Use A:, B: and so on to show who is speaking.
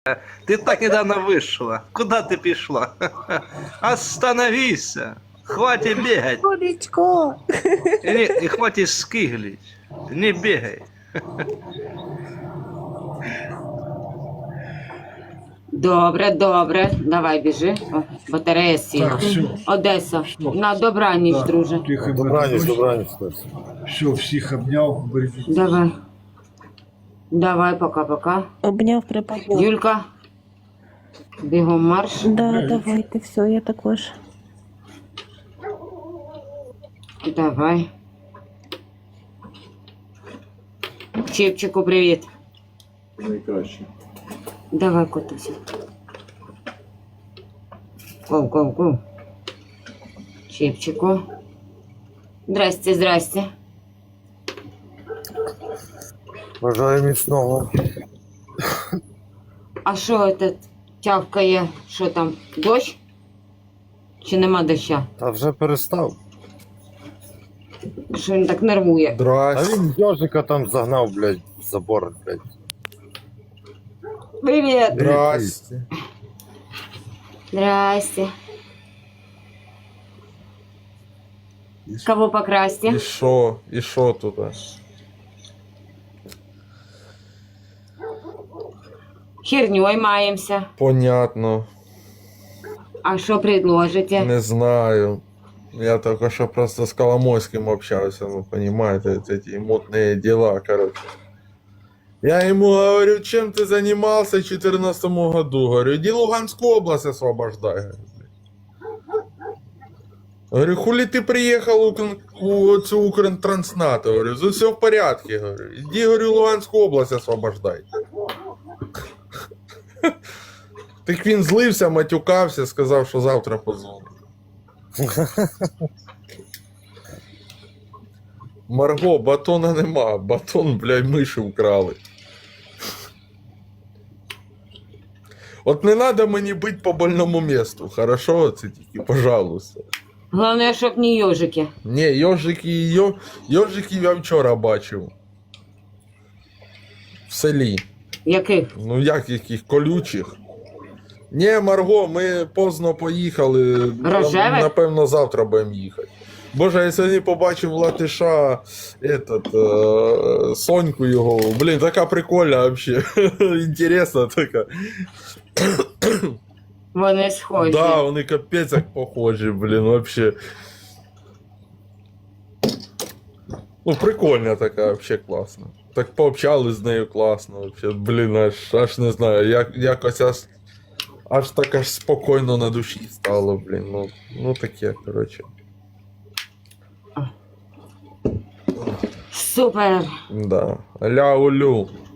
A: Ты так недавно вышла. Куда ты пошла? Остановись! Хватит бегать.
B: Сонечко.
A: И хватит скиглить. Не бегай.
C: Добре, добре. Давай біжи. О, батарея сіла.
D: Так, все.
C: Одеса,
D: Все.
C: на добраніч,
D: Да,
C: друже.
D: тихо,
E: Добраніч, добраніч, Стась.
D: Все, всіх обняв, бережіть.
C: Давай. Давай, пока-пока.
B: Обняв, припадняв.
C: Юлька. Бігом марш.
B: Да, давайте, все, я також.
C: Давай. Чіпчику, привіт.
D: Найкраще.
C: Давай, котуся. Коу. Чіпчику. Здрасте, здрасте.
E: Бажаю міцного.
C: А що це тявкає? Що там, дощ? Чи нема доща?
E: Та вже перестав.
C: Що він так нервує?
E: А
F: Здрасте.
E: він йожика там загнав, блядь, в забор, блядь.
C: Привіт!
F: Здрасте.
C: Здрасте. Кого покрасьте?
F: І що тут?
C: Херней маємося.
F: Понятно.
C: А що предложите?
F: Не знаю. Я только что просто с Коломойским общался, ну, понимаете, эти мутные дела, короче. Я ему говорю, чем ты занимался в 2014 году? Говорю, иди Луганскую область освобождай. Говорю, хули ты приехал у Укртрансната? Говорю, все в порядке. Говорю, иди, говорю, Луганскую область освобождай. Так він злився, матюкався, сказав, що завтра позвонить. Марго, батона нема, батон, блядь, миші вкрали. От не надо мені бить по больному месту, хорошо? Це тільки, пожалуйста.
C: Головне, щоб не йожики.
F: Ні, йожиків я вчора бачив. В селі.
C: Яких?
F: Ну як яких колючих? Ні, Марго, ми поздно поїхали.
C: Рожевих?
F: Напевно, завтра будемо їхати. Боже, я сьогодні побачив Латиша, Соньку його. Блін, така прикольна вообще. Інтересна така.
C: Вони схожі.
F: Да, вони капець як похожі, блін, вообще. Ну, прикольна така, вообще класна. Так пообщались з нею класно, вообще, блін, аж не знаю, якось аж так аж спокійно на душі стало, блін, ну таке, коротше.
C: Супер.
F: Да. Ля-улю.